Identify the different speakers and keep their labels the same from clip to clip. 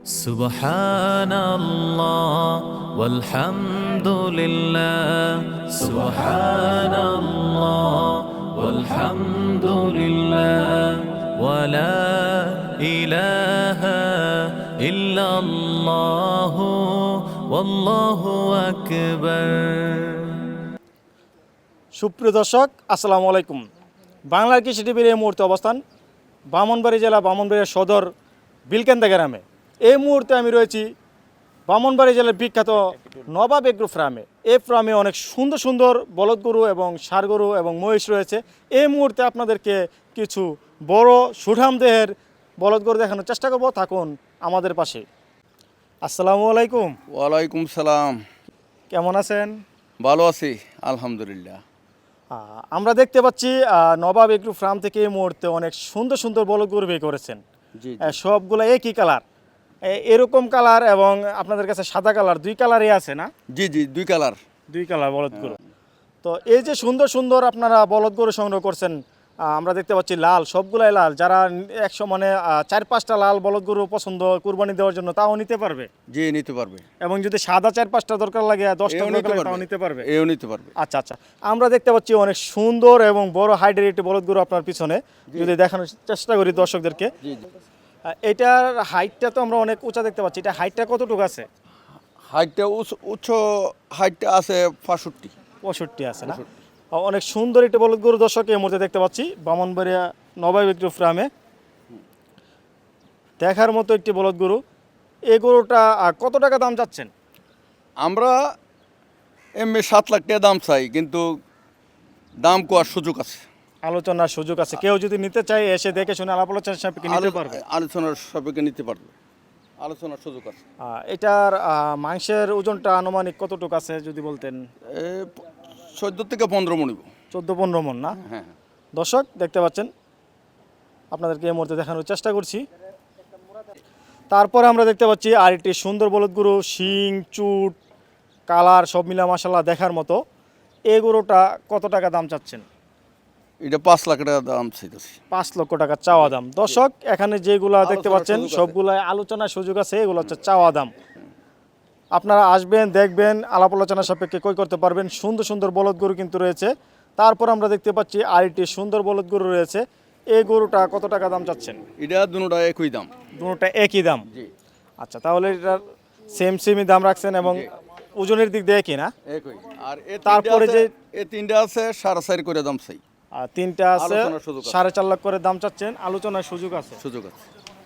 Speaker 1: Subhanallah walhamdulillah, Subhanallah walhamdulillah, wa la ilaha illallah, wallahu akbar.
Speaker 2: সুপ্রিয় দর্শক, আসসালামু আলাইকুম। বাংলার কৃষি টিভির এই মুহূর্তে অবস্থান ব্রাহ্মণবাড়িয়া জেলা ব্রাহ্মণবাড়িয়া সদর বিলকেন্দা গ্রামে। এই মুহূর্তে আমি রয়েছি ব্রাহ্মণবাড়িয়া জেলার বিখ্যাত নবাব এগ্রো ফার্মে। এই ফার্মে অনেক সুন্দর সুন্দর বলদ গরু এবং ষাঁড় গরু এবং মহিষ রয়েছে। এই মুহূর্তে আপনাদেরকে কিছু বড় সুঠাম দেহের বলদ গরু দেখানোর চেষ্টা করব। থাকুন আমাদের পাশে। আসসালামু আলাইকুম।
Speaker 3: ওয়ালাইকুম সালাম।
Speaker 2: কেমন আছেন?
Speaker 3: ভালো আছি আলহামদুলিল্লাহ।
Speaker 2: আমরা দেখতে পাচ্ছি নবাব এগ্রো ফার্ম থেকে এই মুহূর্তে অনেক সুন্দর সুন্দর বলদ গরু বের করেছেন।
Speaker 3: জি
Speaker 2: সবগুলো একই কালার, এরকম কালার এবং আপনাদের কাছে সাদা কালার, দুই কালারই আছে না?
Speaker 3: জি দুই কালার।
Speaker 2: দুই কালার বলদ গরু। তো এই যে সুন্দর সুন্দর আপনারা বলদ গরু সংগ্রহ করছেন, আমরা দেখতে পাচ্ছি লাল, সবগুলাই লাল। যারা 4-5টা লাল বলদ গরু পছন্দ কুরবানি দেওয়ার জন্য তাও নিতে পারবে?
Speaker 3: জি নিতে পারবে।
Speaker 2: এবং যদি সাদা 4-5টা দরকার লাগে, 10টা দরকার লাগে, তাও নিতে পারবে?
Speaker 3: এও নিতে পারবে।
Speaker 2: আচ্ছা, আমরা দেখতে পাচ্ছি অনেক সুন্দর এবং বড় হাইটের একটি বলদ গরু আপনার পিছনে। যদি দেখানোর চেষ্টা করি দর্শকদেরকে।
Speaker 3: জি
Speaker 2: এটার হাইটটা তো আমরা অনেক উঁচা দেখতে পাচ্ছি। এটা হাইটটা কতটুকু আছে?
Speaker 3: হাইটটা উচ্চ হাইটটা আছে
Speaker 2: 65 আছে না? অনেক সুন্দর একটি বলদ গরু দর্শক এই মুহূর্তে দেখতে পাচ্ছি ব্রাহ্মণবাড়িয়া নবাব এগ্রো ফার্মে। দেখার মতো একটি বলদ গরু। এই গরুটা কত টাকা দাম চাচ্ছেন?
Speaker 3: আমরা এমনি 7 লাখ টাকা দাম চাই, কিন্তু দাম কোয়ার সুযোগ আছে,
Speaker 2: আলোচনার সুযোগ আছে। কেউ যদি নিতে চায় এসে দেখে শুনে আলাপ আলোচনার সাপেক্ষে নিতে পারবে?
Speaker 3: আলোচনার সাপেক্ষে নিতে পারবে, আলোচনার সুযোগ আছে।
Speaker 2: এটার মাংসের ওজনটা আনুমানিক কতটুকু আছে যদি বলতেন?
Speaker 3: 14 থেকে 15 মণ।
Speaker 2: 14-15 মণ না?
Speaker 3: হ্যাঁ।
Speaker 2: দর্শক দেখতে পাচ্ছেন, আপনাদেরকে এই মুহূর্তে দেখানোর চেষ্টা করছি। তারপরে আমরা দেখতে পাচ্ছি আরেকটি সুন্দর বলদ গরু, শিং চুট কালার সব মিলা মাশাআল্লাহ দেখার মতো। এই গরুটা কত টাকা দাম চাচ্ছেন?
Speaker 3: এটা 5 লাখ টাকা দাম চাইতেছি।
Speaker 2: 5 লক্ষ টাকা চাওয়া দাম। দর্শক এখানে যেগুলা দেখতে পাচ্ছেন সবগুলাই আলোচনার সুযোগ আছে। এগুলো হচ্ছে চাওয়া দাম। আপনারা আসবেন, দেখবেন, আলাপ আলোচনার সাপেক্ষে ক্রয় করতে পারবেন। সুন্দর সুন্দর বলদ গরু কিন্তু রয়েছে। তারপর আমরা দেখতে পাচ্ছি আরেকটি সুন্দর বলদ গরু রয়েছে। এই গরুটা কত টাকা দাম চাচ্ছেন?
Speaker 3: এটা দুটোটা একই দাম।
Speaker 2: দুটোটা একই দাম?
Speaker 3: জি।
Speaker 2: আচ্ছা, তাহলে এটার সেমই দাম রাখছেন এবং ওজনের দিক দিয়ে একই না?
Speaker 3: একই। আর
Speaker 2: তারপরে যে
Speaker 3: এই তিনটা আছে 4.5 করে দাম চাই।
Speaker 2: আর তিনটা আছে 4.5 লাখ করে দাম চাচ্ছেন। আলোচনার সুযোগ আছে?
Speaker 3: সুযোগ আছে।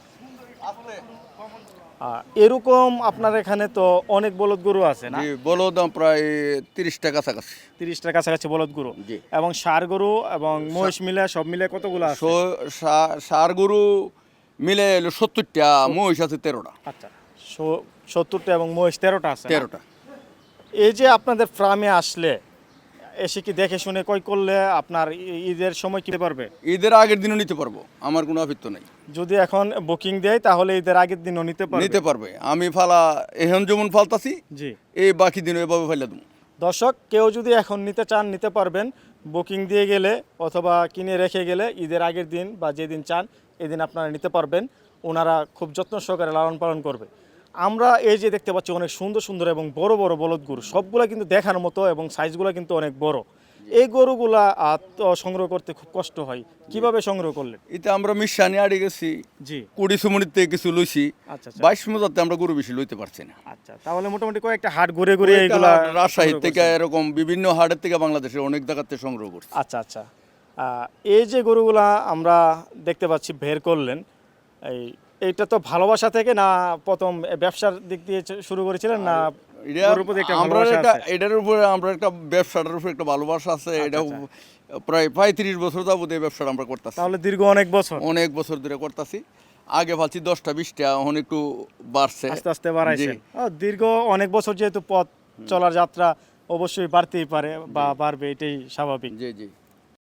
Speaker 2: এরকম আপনার এখানে তো অনেক বলদ গরু আছে না?
Speaker 3: জি, বলদ দাম প্রায় 30 টাকা কাছাকাছি।
Speaker 2: 30টার কাছাকাছি বলদ গরু।
Speaker 3: জি।
Speaker 2: এবং ষাঁড় গরু এবং মহিষ মিলে সব মিলে কতগুলো আছে?
Speaker 3: ষাঁড় গরু মিলে 70টা, মহিষ আছে 13টা।
Speaker 2: আচ্ছা, 70টা এবং মহিষ 13টা আছে?
Speaker 3: 13টা।
Speaker 2: এই যে আপনাদের ফার্মে আসলে এসে কি দেখে শুনে ক্রয় করলে আপনার ঈদের সময় কিনতে পারবে?
Speaker 3: ঈদের আগের দিনও নিতে পারবো, আমার কোনো আপত্তি নাই।
Speaker 2: যদি এখন বুকিং দেয় তাহলে ঈদের আগের দিনও নিতে
Speaker 3: পারবে। আমি ফালা এখন যেমন ফালতাছি,
Speaker 2: জি,
Speaker 3: এই বাকি দিন এভাবে ফাইলা দেবো।
Speaker 2: দর্শক কেউ যদি এখন নিতে চান নিতে পারবেন। বুকিং দিয়ে গেলে অথবা কিনে রেখে গেলে ঈদের আগের দিন বা যেদিন চান এদিন আপনারা নিতে পারবেন। ওনারা খুব যত্ন সহকারে লালন পালন করবে। আমরা এই যে দেখতে পাচ্ছি অনেক সুন্দর সুন্দর এবং বড় বড় বলদ গরু, সবগুলা কিন্তু দেখার মতো এবং সাইজগুলো কিন্তু অনেক বড়। এই গরুগুলা সংগ্রহ করতে খুব কষ্ট হয়। কিভাবে সংগ্রহ করলেন?
Speaker 3: এটা আমরা মিশানি আড়ে গেছি।
Speaker 2: জি।
Speaker 3: 20 সুমনির থেকে কিছু লইছি।
Speaker 2: আচ্ছা,
Speaker 3: 22 মজাতে আমরা গরু বেশি লইতে পারছি না।
Speaker 2: আচ্ছা, তাহলে মোটামুটি কয়েকটা হাট ঘুরে ঘুরে এইগুলা
Speaker 3: রাজশাহী থেকে এরকম বিভিন্ন হাটের থেকে বাংলাদেশের অনেক জায়গাতে সংগ্রহ করছি।
Speaker 2: আচ্ছা, এই যে গরুগুলা আমরা দেখতে পাচ্ছি বের করলেন, এইটা তো ভালোবাসা থেকে না প্রথম ব্যবসার দিক দিয়ে শুরু করেছিলেন না?
Speaker 3: এটার উপরে আমরা একটা ব্যবসাটার উপরে একটা ভালোবাসা আছে। এটা প্রায় 35 বছর যাবত এই ব্যবসাটা আমরা করতেছি।
Speaker 2: তাহলে দীর্ঘ অনেক বছর
Speaker 3: ধরে করতেছি। আগে ভাবছি 10টা 20টা, এখন একটু বাড়ছে,
Speaker 2: আস্তে আস্তে বাড়াইছেন। দীর্ঘ অনেক বছর যেহেতু পথ চলার যাত্রা অবশ্যই বাড়তেই পারে বা বাড়বে, এটাই স্বাভাবিক।
Speaker 3: জি।